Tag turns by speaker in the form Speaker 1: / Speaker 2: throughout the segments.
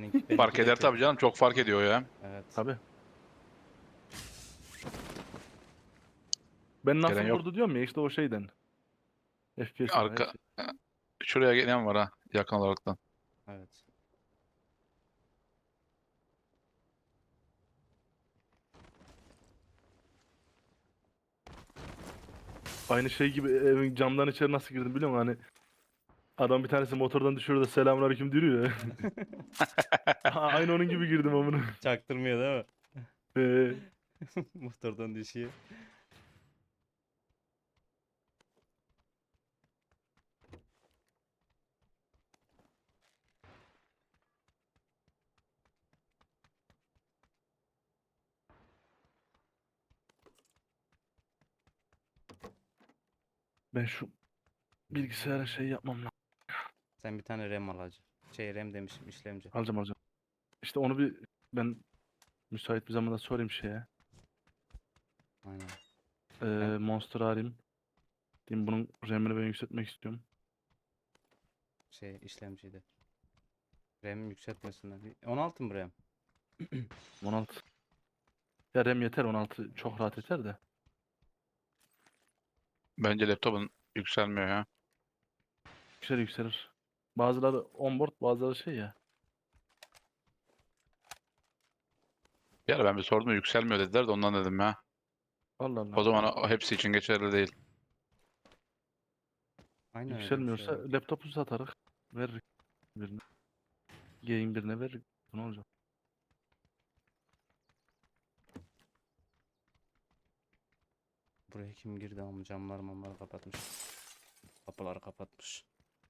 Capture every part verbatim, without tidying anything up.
Speaker 1: Benimki, benimki
Speaker 2: Fark
Speaker 1: de
Speaker 2: eder
Speaker 1: kötü.
Speaker 2: tabii canım. Çok fark ediyor ya.
Speaker 1: Evet.
Speaker 3: Tabii. Ben nasıl
Speaker 2: Gelen yok.
Speaker 3: vurdu diyorum ya işte o şeyden. F P S var her
Speaker 2: Arka.
Speaker 3: şey.
Speaker 2: Şuraya gelen var ha. Yakın olaraktan.
Speaker 1: Evet.
Speaker 3: Aynı şey gibi evin camdan içeri nasıl girdim biliyor musun? Hani adam bir tanesi motordan düşüyor da selamünaleyküm diyor ya. Aha, aynı onun gibi girdim amına.
Speaker 1: Çaktırmıyor değil mi?
Speaker 3: Ee,
Speaker 1: Motordan düşüyor.
Speaker 3: ben şu bilgisayara şey yapmam lazım.
Speaker 1: Sen bir tane RAM alacaksın. Şey RAM demişim, işlemci.
Speaker 3: Alacağım alacağım. İşte onu bir ben müsait bir zamanda sorayım şeye.
Speaker 1: Aynen.
Speaker 3: Ee, Monster'ı arayayım. Diyeyim bunun RAM'ini ben yükseltmek istiyorum.
Speaker 1: Şey işlemciydi. RAM yükseltmesinden. Bir- on altı mı RAM?
Speaker 3: on altı. Ya RAM yeter on altı çok rahat yeter de.
Speaker 2: Bence laptopun yükselmiyor ya.
Speaker 3: Yükselir yükselir. Bazıları onboard bazıları şey ya.
Speaker 2: Bir ara ben bir sordum yükselmiyor dediler de ondan dedim ya.
Speaker 3: Allah
Speaker 2: O
Speaker 3: Allah.
Speaker 2: zaman o hepsi için geçerli değil.
Speaker 1: Aynen öyle bir şey
Speaker 3: Yükselmiyorsa
Speaker 1: var.
Speaker 3: laptopu satarız. Veririk birine. Game birine veririk. Ne olacak?
Speaker 1: Buraya kim girdi ama camlar mamları kapatmış. Kapıları kapatmış.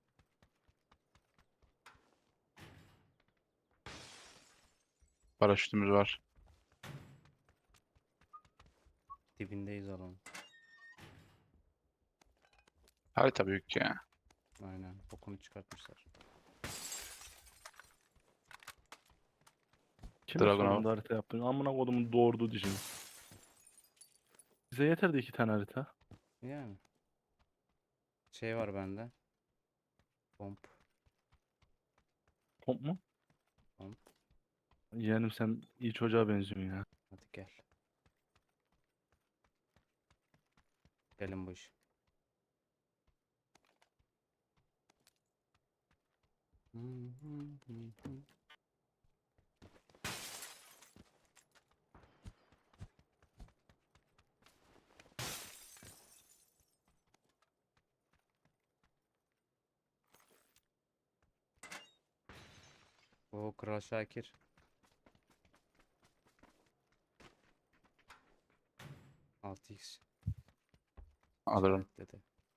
Speaker 2: Paraşütümüz var.
Speaker 1: Dibindeyiz alanın.
Speaker 2: Harita büyük ya.
Speaker 1: Aynen. Bokunu çıkartmışlar.
Speaker 3: Kime
Speaker 2: Dragunov.
Speaker 3: sordun da harita yaptın? Amına kodumun doğurdu dişini. Bize yeterdi iki tane harita.
Speaker 1: Yani. Şey var bende. Pomp.
Speaker 3: Komp mu?
Speaker 1: Pomp.
Speaker 3: Yeğenim sen iyi çocuğa benziyorsun ya.
Speaker 1: Hadi gel. Gelin bu iş. O Kral Şakir. altı x.
Speaker 2: Alırım.
Speaker 1: Dedi.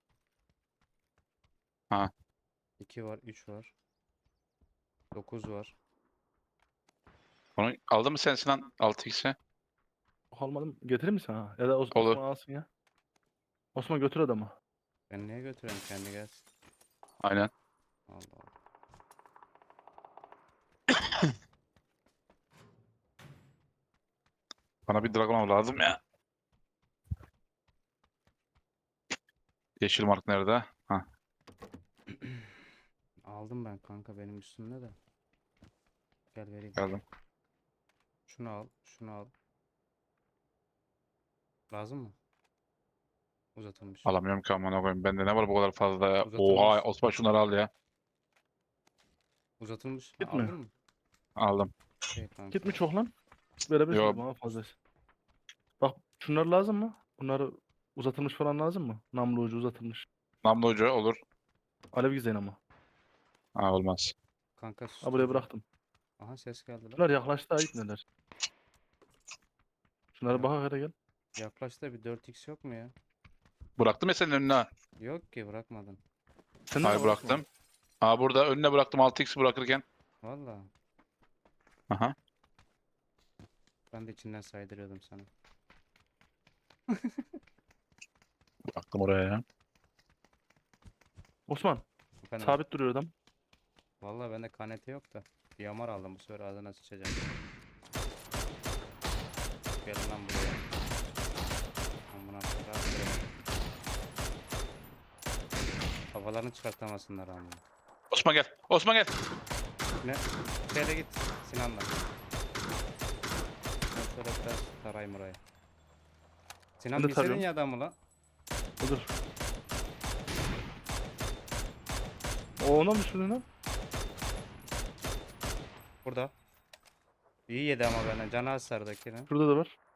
Speaker 2: Ha.
Speaker 1: iki var, üç var. dokuz var.
Speaker 2: Onu aldın mı sen Sinan altı x'i?
Speaker 3: Almadım. Getirir misin ha? Ya da Os-
Speaker 2: Olur.
Speaker 3: Osman alsın ya. Osman götür adamı.
Speaker 1: Ben niye götüreyim, kendi gelsin.
Speaker 2: Aynen.
Speaker 1: Allah Allah.
Speaker 2: Bana bir Dragunov lazım ya. Yeşil mark nerede? Ha,
Speaker 1: Aldım ben kanka, benim üstümde de. Gel vereyim.
Speaker 2: geldim.
Speaker 1: Şunu al, şunu al. Lazım mı? Uzatılmış.
Speaker 2: Alamıyorum ki amına koyayım. Bende ne var bu kadar fazla ya? Oha
Speaker 1: Uzatılmış.
Speaker 2: Osman şunları al ya.
Speaker 1: Uzatılmış. Ha,
Speaker 3: Gitmiyor.
Speaker 1: aldın mı?
Speaker 2: Aldım.
Speaker 1: Şey kanka.
Speaker 3: Git mi çok lan? Verebilirsin
Speaker 2: Yo,
Speaker 3: de bana fazlası. Bak şunlar lazım mı? Bunları uzatılmış falan lazım mı? Namlu ucu uzatılmış.
Speaker 2: namlu ucu olur.
Speaker 3: Alev gizleyin ama.
Speaker 2: Ha, olmaz.
Speaker 1: Kanka
Speaker 3: Ha buraya
Speaker 1: susturucu.
Speaker 3: bıraktım.
Speaker 1: Aha ses geldi lan.
Speaker 3: Bunlar yaklaştı ayıp neler. Şunlara
Speaker 1: Ya-
Speaker 3: bak hele gel.
Speaker 1: Yaklaştı, bir dört x yok mu ya?
Speaker 2: Bıraktım ya senin önüne. ha.
Speaker 1: Yok ki, bırakmadın.
Speaker 3: Sen
Speaker 2: Hayır bıraktım. Ha burada önüne bıraktım altı x bırakırken.
Speaker 1: Valla.
Speaker 2: Aha.
Speaker 1: Ben de içinden saydırıyordum sana.
Speaker 2: Bıraktım oraya ya.
Speaker 3: Osman
Speaker 1: Efendim.
Speaker 3: sabit duruyor adam.
Speaker 1: Valla bende K N T yok da. Bir yamar aldım, bu sefer ağzına sıçacağım. Gel lan buraya. Amına koyayım. Kafalarını çıkartamasınlar amına.
Speaker 2: Osman gel. Osman gel.
Speaker 1: Ne? Şöyle git Sinan'la. Ben şöyle biraz tarayayım orayı. Sinan
Speaker 3: Ben de
Speaker 1: bilseydin
Speaker 3: tarıyorum.
Speaker 1: ya adamı lan.
Speaker 3: Dur. O ona mı düşürdün lan?
Speaker 1: Burada. İyi yedi ama benden. Canı az sardakine.
Speaker 3: Şurada da var.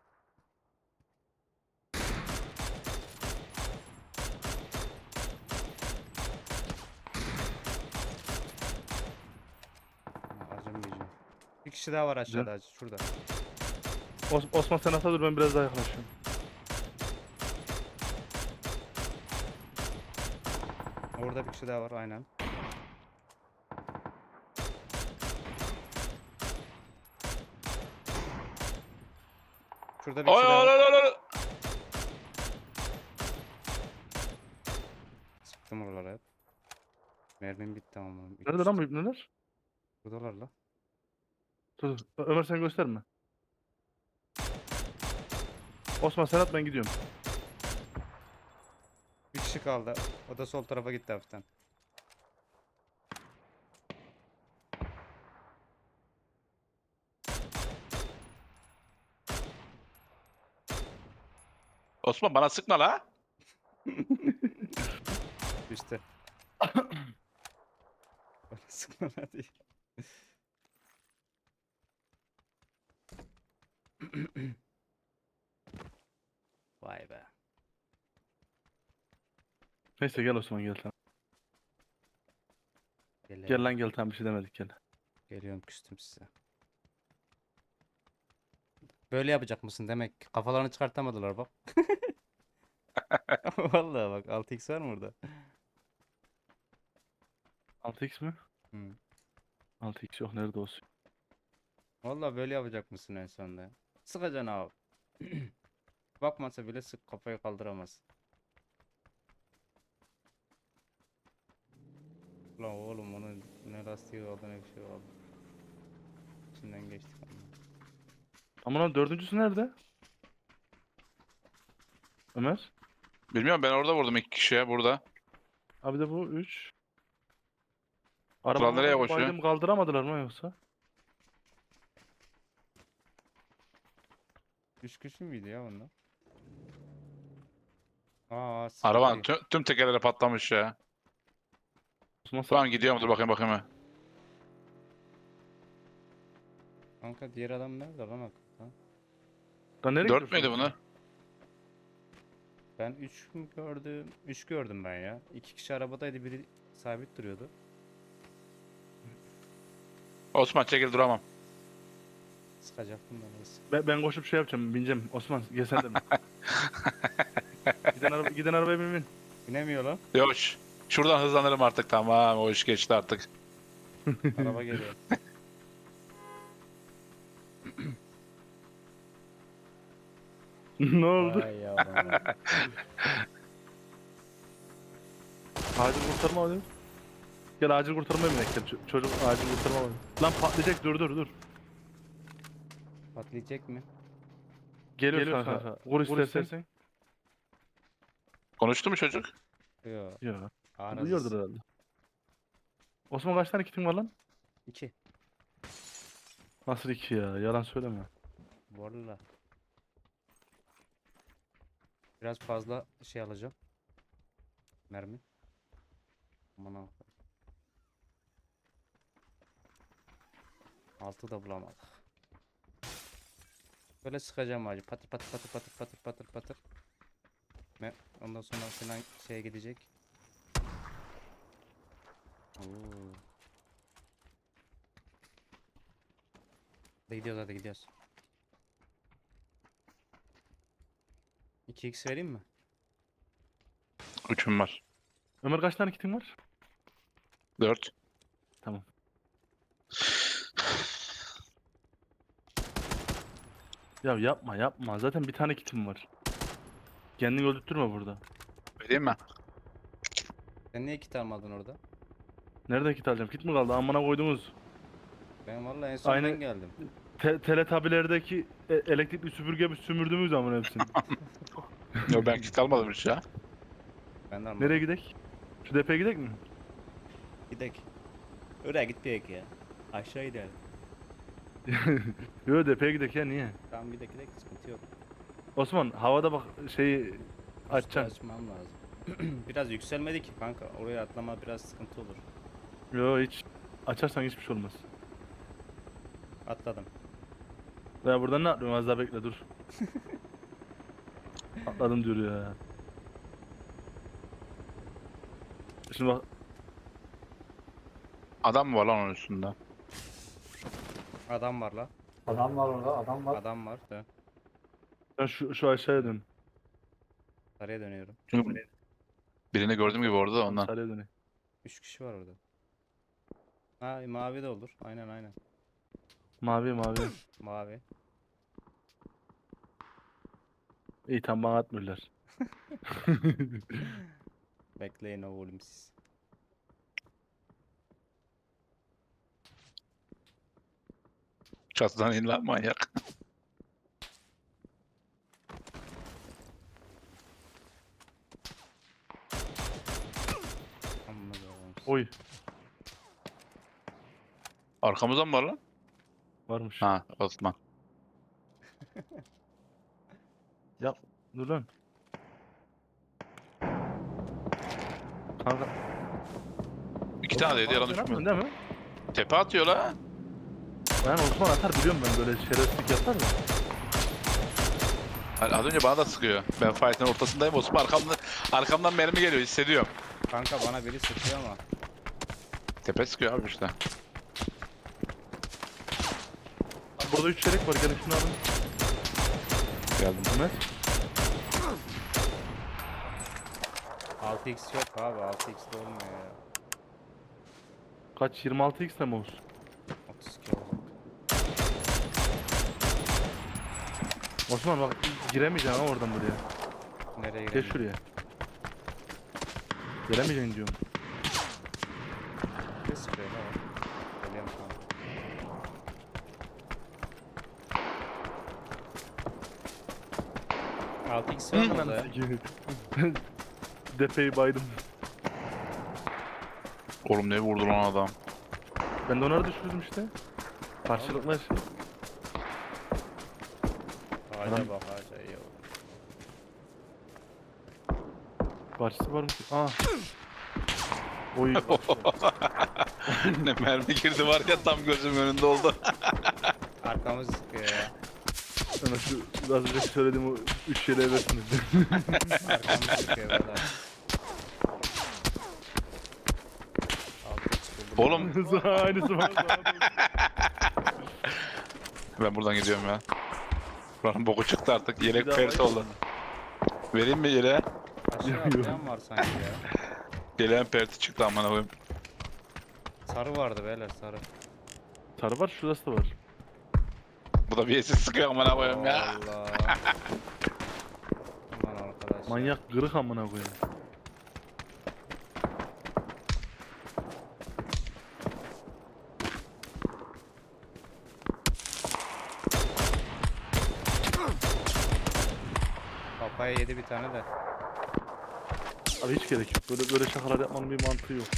Speaker 1: Acımayacağım. Bir kişi daha var aşağıda acı. Şurada.
Speaker 3: Os Osman sen atla dur ben biraz daha yaklaşıyorum.
Speaker 1: Orada bir kişi daha var aynen. Şurada bir
Speaker 2: Oy
Speaker 1: kişi daha
Speaker 2: oy
Speaker 1: var.
Speaker 2: oy oy.
Speaker 1: Sıktım oralara hep. Mermim bitti ama.
Speaker 3: Nerede lan bu ibneler?
Speaker 1: Buradalar la.
Speaker 3: Dur dur. Ö- Ömer sen gösterme. Osman sen at ben gidiyorum.
Speaker 1: Bir kişi kaldı. O da sol tarafa gitti hafiften.
Speaker 2: Osman bana sıkma la.
Speaker 1: İşte. Bana sıkma hadi. Vay be.
Speaker 3: Neyse gel Osman gel tamam.
Speaker 1: Gel,
Speaker 3: Gel lan gel tamam bir şey demedik gel.
Speaker 1: Geliyorum küstüm size. Böyle yapacak mısın demek ki. Kafalarını çıkartamadılar bak. Vallahi bak altı x var mı orada?
Speaker 3: altı x mi?
Speaker 1: Hı.
Speaker 3: altı x yok nerede olsun?
Speaker 1: Vallahi böyle yapacak mısın en sonunda? Sıkacaksın abi. Bakmasa bile sık kafayı kaldıramaz. Ulan oğlum onun ne lastiği oldu ne bir şey oldu. İçinden geçtik ama.
Speaker 3: Ama lan dördüncüsü nerede? Ömer?
Speaker 2: Bilmiyorum ben orada vurdum iki kişiye burada.
Speaker 3: Abi de bu üç.
Speaker 2: Kral nereye
Speaker 3: Arabamı
Speaker 2: koşuyor?
Speaker 3: baydım kaldıramadılar mı yoksa?
Speaker 1: Üç kişi müydü ya bunlar? Aa
Speaker 2: Arabanın
Speaker 1: sıkıntı.
Speaker 2: tüm, tüm tekerleri patlamış ya.
Speaker 3: Osman sen...
Speaker 2: Tamam gidiyorum dur bakayım bakayım.
Speaker 1: Kanka diğer adam nerede lan hakikaten?
Speaker 3: Lan nereye
Speaker 2: Dört
Speaker 3: gidiyorsun
Speaker 2: müydü
Speaker 3: Osman?
Speaker 2: bunu?
Speaker 1: Ben üç mü gördüm? üç gördüm ben ya. iki kişi arabadaydı biri sabit duruyordu.
Speaker 2: Osman çekil duramam.
Speaker 1: Sıkacaktım ben neyse.
Speaker 3: Ben, ben koşup şey yapacağım bineceğim. Osman gel sen de mi? giden, araba, giden arabaya bin bin.
Speaker 1: Binemiyor lan.
Speaker 2: Yok ş- şuradan hızlanırım artık tamam o iş geçti artık.
Speaker 1: Araba geliyor.
Speaker 3: Ne oldu?
Speaker 1: Vay yavrum.
Speaker 3: Acil kurtarma hadi. Gel acil kurtarma binek gel. Ç- çocuk acil kurtarma hadi. Lan patlayacak dur dur dur.
Speaker 1: Patlayacak mı?
Speaker 3: Geliyor,
Speaker 2: Geliyor
Speaker 3: kanka.
Speaker 2: kanka.
Speaker 3: Vur
Speaker 2: Vur
Speaker 3: istersen.
Speaker 2: istersen. Konuştu mu çocuk?
Speaker 1: Yok.
Speaker 3: Ya.
Speaker 1: Arası.
Speaker 3: Duyuyordur herhalde. Osman kaç tane kitin var lan?
Speaker 1: İki.
Speaker 3: Nasıl iki ya? Yalan söyleme.
Speaker 1: Valla. Biraz fazla şey alacağım. Mermi. Aman Allah'ım. Altı da bulamadık. Böyle sıkacağım acı. Patır patır patır patır patır patır patır. Ve ondan sonra falan şeye gidecek. Oo. Hadi gidiyoruz hadi gidiyoruz. iki x vereyim mi?
Speaker 2: Üçüm var.
Speaker 3: Ömer kaç tane kitin var?
Speaker 2: Dört.
Speaker 3: Tamam. Ya yapma yapma. Zaten bir tane kitim var. Kendini öldürtme burada.
Speaker 2: Vereyim mi?
Speaker 1: Sen niye kit almadın orada?
Speaker 3: Nerede kit alacağım? Kit mi kaldı? Amına koydunuz.
Speaker 1: Ben vallahi en son
Speaker 3: Aynı-
Speaker 1: ben geldim.
Speaker 3: Te teletabilerdeki e elektrikli süpürge bir sümürdüğümüz zaman hepsini.
Speaker 2: Yok ben kit almadım hiç ya.
Speaker 1: Ben de almadım.
Speaker 3: Nereye gidek? Şu depeye gidek mi?
Speaker 1: Gidek. Oraya gitmeyek ya. Aşağı gidelim.
Speaker 3: Yo depeye gidelim ya niye?
Speaker 1: Tamam bir dakika dakika sıkıntı yok.
Speaker 3: Osman havada bak şeyi
Speaker 1: Üstü
Speaker 3: açacaksın.
Speaker 1: açmam lazım. Biraz yükselmedi ki kanka. Oraya atlama biraz sıkıntı olur.
Speaker 3: Yo hiç açarsan hiçbir şey olmaz.
Speaker 1: Atladım.
Speaker 3: Ya buradan ne yapıyorum az daha bekle dur. Atladım diyor ya. Şimdi bak
Speaker 2: Adam mı var lan onun üstünde?
Speaker 1: Adam var la.
Speaker 4: Adam var orada, adam var.
Speaker 1: Adam var. Dön.
Speaker 3: sen şu, şu aşağıya dön.
Speaker 1: Sarıya dönüyorum.
Speaker 2: Çünkü birini gördüğüm gibi orada da ondan.
Speaker 3: Aşağıya dön.
Speaker 1: Üç kişi var orada. Ha mavi de olur. Aynen aynen.
Speaker 3: Mavi mavi.
Speaker 1: Mavi.
Speaker 3: İyi tam bana atmıyorlar.
Speaker 1: Bekleyin oğlum siz.
Speaker 2: Çatıdan in lan manyak.
Speaker 1: Amma da oğlum siz.
Speaker 3: Oy
Speaker 2: Arkamızda mı var lan?
Speaker 3: varmış.
Speaker 2: Ha Osman.
Speaker 3: Ya dur lan. Kanka.
Speaker 2: İki tane de yedi yalan
Speaker 3: Osman, sen
Speaker 2: düşmüyor.
Speaker 3: atmıyorsun değil mi?
Speaker 2: Tepe atıyor la.
Speaker 3: Ben Osman atar biliyorum ben böyle şerefsizlik yapar da.
Speaker 2: Hani az önce bana da sıkıyor. Ben fight'ın ortasındayım. Osman arkamdan, arkamdan mermi geliyor hissediyorum.
Speaker 1: Kanka bana biri sıkıyor ama.
Speaker 2: Tepe sıkıyor abi işte.
Speaker 3: Abi burada üç çeyrek var gelin şunu alın.
Speaker 2: Geldim.
Speaker 3: Mehmet.
Speaker 1: altı x yok abi. altı x de olmuyor ya.
Speaker 3: Kaç yirmi altı x mi olsun?
Speaker 1: otuz iki olacak.
Speaker 3: Osman bak giremeyeceksin ha oradan buraya.
Speaker 1: Nereye
Speaker 3: Geç
Speaker 1: girelim?
Speaker 3: şuraya. Giremeyeceksin diyorum.
Speaker 1: Ne sıkıyor la o? Geliyorum kanka. altı x var mı orada ya?
Speaker 3: Depeyi baydım.
Speaker 2: Oğlum ne vurdu lan adam.
Speaker 3: Ben de onları düşürdüm işte. Karşılıklı şey.
Speaker 1: Ağaca
Speaker 3: Adam-
Speaker 1: bak ağaca iyi oldu.
Speaker 3: Karşısı var mı? Aa. Oy.
Speaker 2: Ne mermi girdi var ya tam gözümün önünde oldu.
Speaker 1: Arkamız sıkıyor ya.
Speaker 3: Sana şu az önce söylediğim o üç şeyle versiniz.
Speaker 1: Arkamız sıkıyor valla. altı x buldum.
Speaker 2: Oğlum
Speaker 3: Aynısı var.
Speaker 2: ben buradan gidiyorum ya. Buranın boku çıktı artık. Yelek
Speaker 3: Bir daha
Speaker 2: pert
Speaker 3: var
Speaker 2: oldu. Vereyim mi yeleğe?
Speaker 1: Aşağı atlayan var sanki ya.
Speaker 2: Yeleğin perti çıktı amına koyayım.
Speaker 1: Sarı vardı beyler sarı.
Speaker 3: Sarı var şurası da var.
Speaker 2: Bu da bir esis sıkıyor amına koyayım ya.
Speaker 1: Allah. Aman arkadaş. ya.
Speaker 3: Manyak kırık amına koyayım.
Speaker 1: Kafaya yedi bir tane de.
Speaker 3: Abi hiç gerek yok. Böyle böyle şakalar yapmanın bir mantığı yok.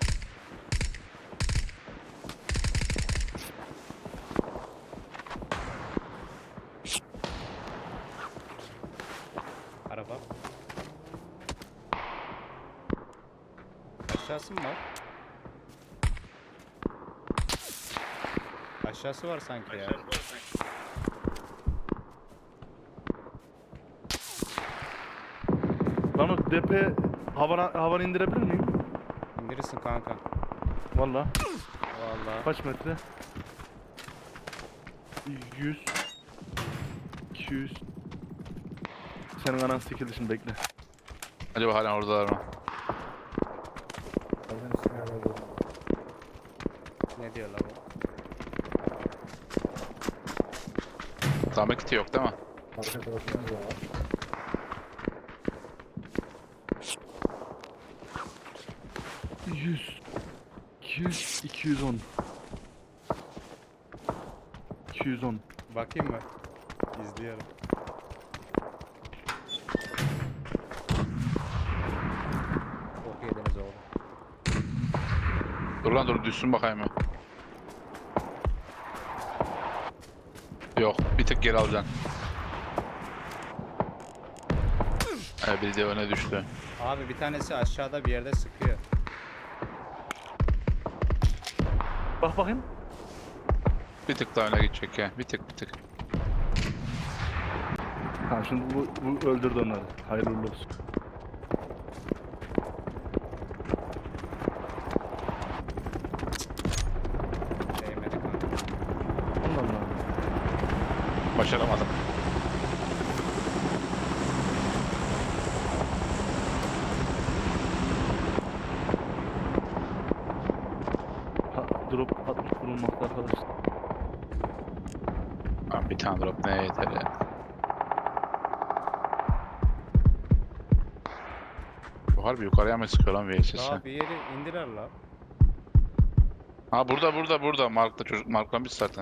Speaker 1: Araba. Aşağısı mı var? Aşağısı var sanki ya.
Speaker 3: Lan o depe havana, havana indirebilir miyim?
Speaker 1: İndirirsin kanka.
Speaker 3: Valla.
Speaker 1: Vallahi.
Speaker 3: Kaç metre? yüz. iki yüz. Senin anan sikildi şimdi bekle.
Speaker 2: Acaba hala oradalar mı?
Speaker 4: Evin üstüne geldi.
Speaker 1: Ne diyor la bu?
Speaker 2: Zahmet kiti yok değil mi?
Speaker 4: Arka tarafımız da var.
Speaker 3: yüz. iki yüz. iki yüz on. iki yüz on.
Speaker 1: Bakayım mı? İzliyorum. Çok yediniz oğlum.
Speaker 2: Dur lan dur düşsün bakayım ya. Yok, bir tık geri alacaksın. Evet, biri de öne düştü.
Speaker 1: Abi bir tanesi aşağıda bir yerde sıkıyor.
Speaker 3: Bak bakayım.
Speaker 2: Bir tık daha öne gidecek ya. Bir tık bir tık.
Speaker 3: Ha şimdi bu, bu öldürdü onları. Hayırlı uğurlu olsun.
Speaker 1: Değmedi kanka.
Speaker 3: Allah Allah.
Speaker 2: Başaramadım.
Speaker 3: Ha, drop atmış bulunmakta arkadaşlar.
Speaker 2: Lan bir tane drop neye yeter ya. Bu harbi yukarıya mı sıkıyor lan V S S?
Speaker 1: Daha bir yeri indiler la.
Speaker 2: Ha burada burada burada. Mark'ta çocuk marklamış zaten.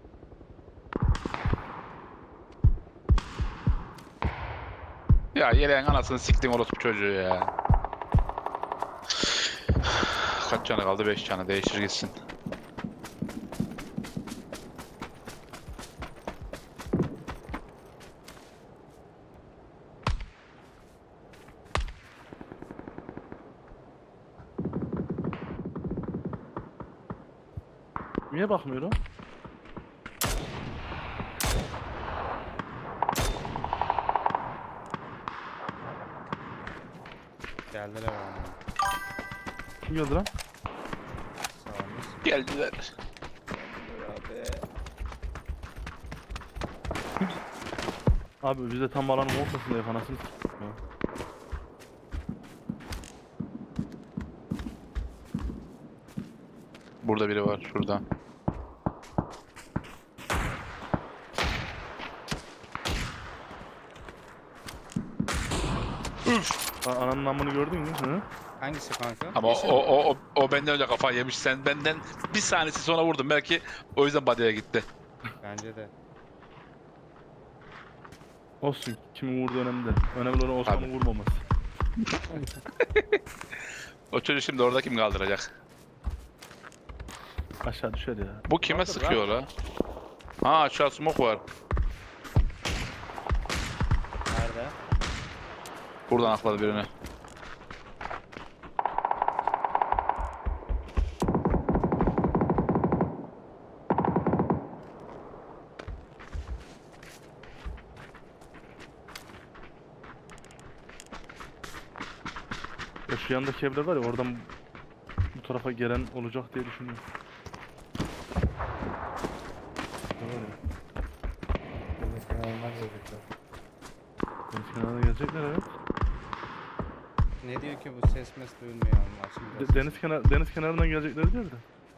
Speaker 2: Ya yeleğin anasını siktim orospu çocuğu ya. Kaç canı kaldı? beş canı. Değiştir gitsin.
Speaker 3: Niye bakmıyor o?
Speaker 1: Geldiler abi.
Speaker 3: Kim geldi lan?
Speaker 1: Sağımız.
Speaker 2: Geldiler.
Speaker 1: Abi.
Speaker 3: Abi biz de tam alanın ortasındayız anasını s**tim ya.
Speaker 2: Burada biri var. Şurada.
Speaker 3: A- Ananın namını gördün mü? Hı?
Speaker 1: Hangisi kanka?
Speaker 2: Ama o,
Speaker 1: Yeşil mi?
Speaker 2: o, o, o benden önce kafayı yemiş. Sen benden bir saniyesi sonra vurdun. Belki o yüzden body'ye gitti.
Speaker 1: Bence de.
Speaker 3: Olsun. Kimin vurduğu önemli değil. Önemli olan Osman'ın
Speaker 2: Abi.
Speaker 3: vurmaması.
Speaker 2: O çocuğu şimdi orada kim kaldıracak?
Speaker 3: Aşağı düşer ya.
Speaker 2: Bu kime
Speaker 1: Kaldır
Speaker 2: sıkıyor la? Ha aşağı smoke var.
Speaker 1: Nerede?
Speaker 2: Buradan akladı birini.
Speaker 3: Ya şu yandaki evler var ya oradan bu tarafa gelen olacak diye düşünüyorum. Ne var ya?
Speaker 4: Deniz kenarından gelecekler.
Speaker 3: Deniz kenarına gelecekler evet.
Speaker 1: Ne diyor ki bu ses mes duyulmuyor ama şimdi.
Speaker 3: De- deniz kenar deniz kenarından gelecekler diyor da.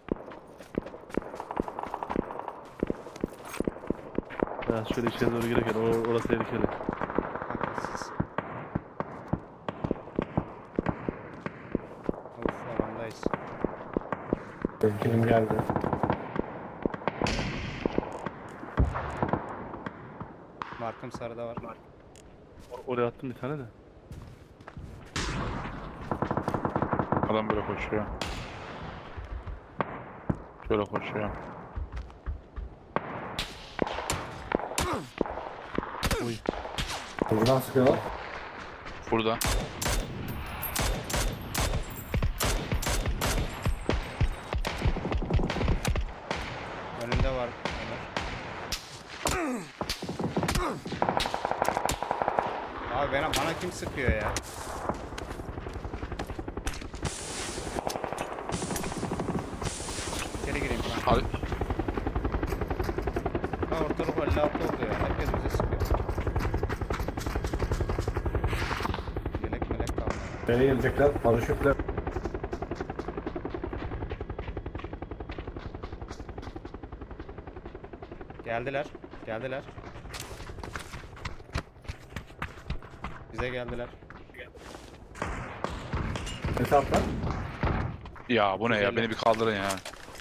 Speaker 3: Ya şöyle içeri doğru girerken or orası tehlikeli.
Speaker 1: Haklısız. Of alandayız.
Speaker 4: Benimkinin geldi.
Speaker 1: Markım sarıda var.
Speaker 3: Or- oraya attım bir tane de.
Speaker 2: Adam böyle koşuyor. Şöyle koşuyor.
Speaker 3: Oy.
Speaker 4: Buradan sıkıyorlar.
Speaker 2: Burada.
Speaker 1: Önünde var. Ömer. Abi bana, bana kim sıkıyor ya? İçeri gireyim kanka.
Speaker 2: Al
Speaker 1: Ha ortalık elli altı oldu ya. Herkes bize sıkıyor. Yelek melek kalmadı.
Speaker 4: Nereye gelecekler? Paraşütle.
Speaker 1: Geldiler. Geldiler. Bize geldiler.
Speaker 4: Hesaplar.
Speaker 2: ya bu ne ya?
Speaker 1: Güzel.
Speaker 2: Beni bir kaldırın ya.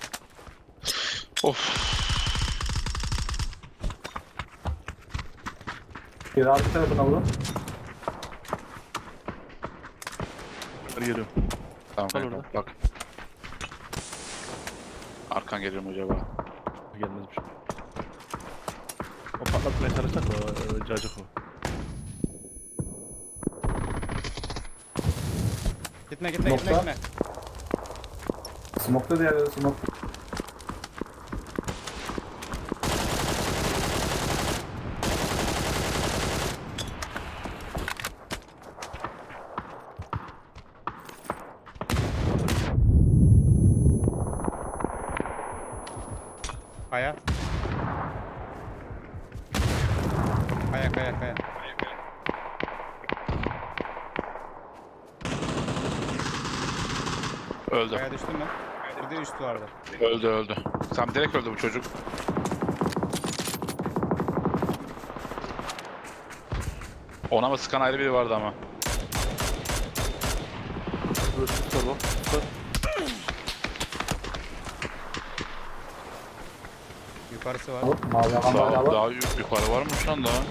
Speaker 2: Of.
Speaker 4: Bir arka tarafına vurun.
Speaker 3: Hadi geliyorum.
Speaker 2: Tamam
Speaker 3: Kal
Speaker 2: kanka,
Speaker 3: orada.
Speaker 2: bak. Arkan geliyor mu acaba?
Speaker 3: Gelmezmiş. patlatmaya çalışacak da o, o cacık o.
Speaker 1: Gitme gitme gitme
Speaker 4: Nokta.
Speaker 1: gitme.
Speaker 4: Smoke'ta diğerleri smoke.
Speaker 1: Kaya. Kaya kaya kaya.
Speaker 2: Öldü.
Speaker 1: Kaya düştü mü? Bir de üst vardı.
Speaker 2: Öldü öldü. Tam direkt öldü bu çocuk. Ona mı sıkan ayrı biri vardı ama.
Speaker 3: Böyle sis var bak. Sis var.
Speaker 1: Yukarısı var.
Speaker 4: Alıp mavi alan hala
Speaker 2: Daha,
Speaker 4: var.
Speaker 2: daha yuk- yukarı varmış lan daha.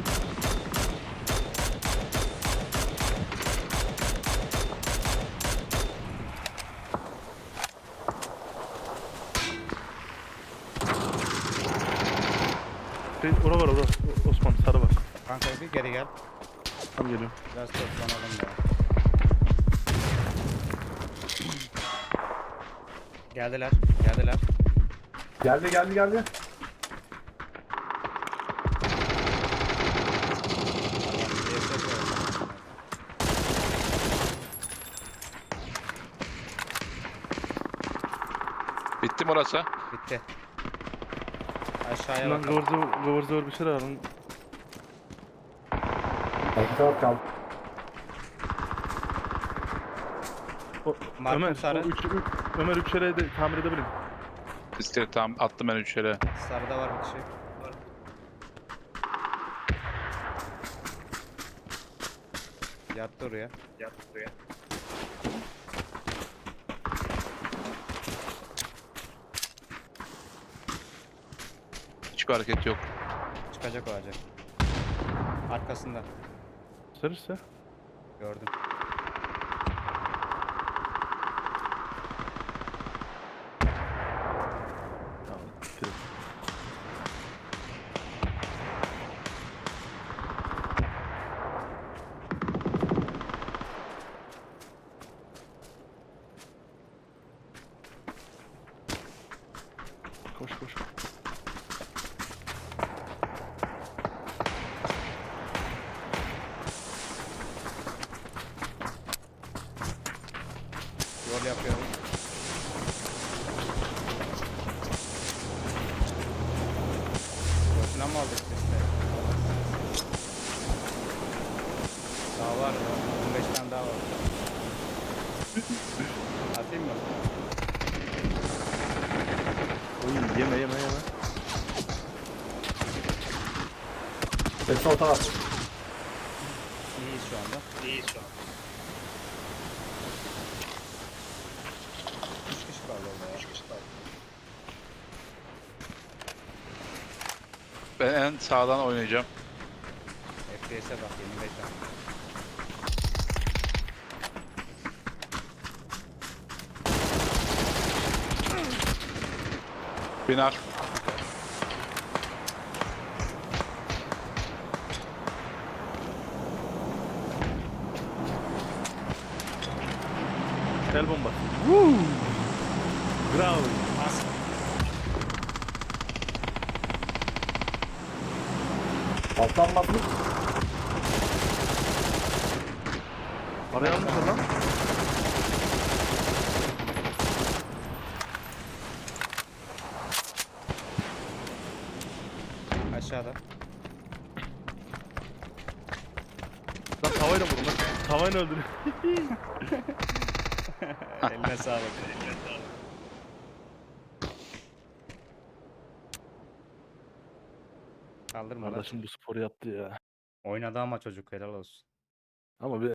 Speaker 3: Şey, ora var ora. O- Osman sarı var.
Speaker 1: Kanka bir geri gel.
Speaker 3: Tam geliyorum.
Speaker 1: Biraz toplanalım ya. Geldiler. Geldiler.
Speaker 4: Geldi geldi geldi.
Speaker 1: Tamam, bir de ses var.
Speaker 2: Bitti mi orası?
Speaker 1: Bitti. Aşağıya
Speaker 3: Şundan
Speaker 1: bakalım.
Speaker 3: kıvır zıvır, kıvır zıvır bir şeyler alın.
Speaker 4: Arka taraf kaldı.
Speaker 3: O,
Speaker 1: Markım
Speaker 3: Ömer,
Speaker 1: sarı.
Speaker 3: o üç, üç, Ömer üç yere de tamir edebilirim.
Speaker 2: İstedi tamam attım ben üç yere.
Speaker 1: Sarıda var bir kişi. Yattı oraya. Yattı oraya.
Speaker 2: Hiçbir hareket yok.
Speaker 1: Çıkacak o acı. Arkasında.
Speaker 3: Sarırsa.
Speaker 1: Gördüm.
Speaker 3: Tamam. Bitti. Koş koş.
Speaker 1: Yol yapıyorum. Boşuna mı aldık sesleri? Daha var. on beş tane daha var. Atayım mı?
Speaker 3: Oy yeme yeme yeme.
Speaker 4: Hepsi orta var.
Speaker 1: İyiyiz şu anda. İyiyiz şu anda. üç kişi kaldı orada ya. üç kişi kaldı.
Speaker 2: Ben en sağdan oynayacağım.
Speaker 1: F P S'e bak yirmi beş tane.
Speaker 2: Binar.
Speaker 3: El bombası. Woo! Bravo.
Speaker 4: Alttan basmış.
Speaker 3: Araya almışlar lan.
Speaker 1: Aşağıda.
Speaker 3: Lan tavayla vurun lan. Tavayla öldürün.
Speaker 1: Eline sağlık. Kaldırma lan.
Speaker 3: Kardeşim bu sporu yaptı ya.
Speaker 1: Oynadı ama çocuk helal olsun.
Speaker 3: Ama bir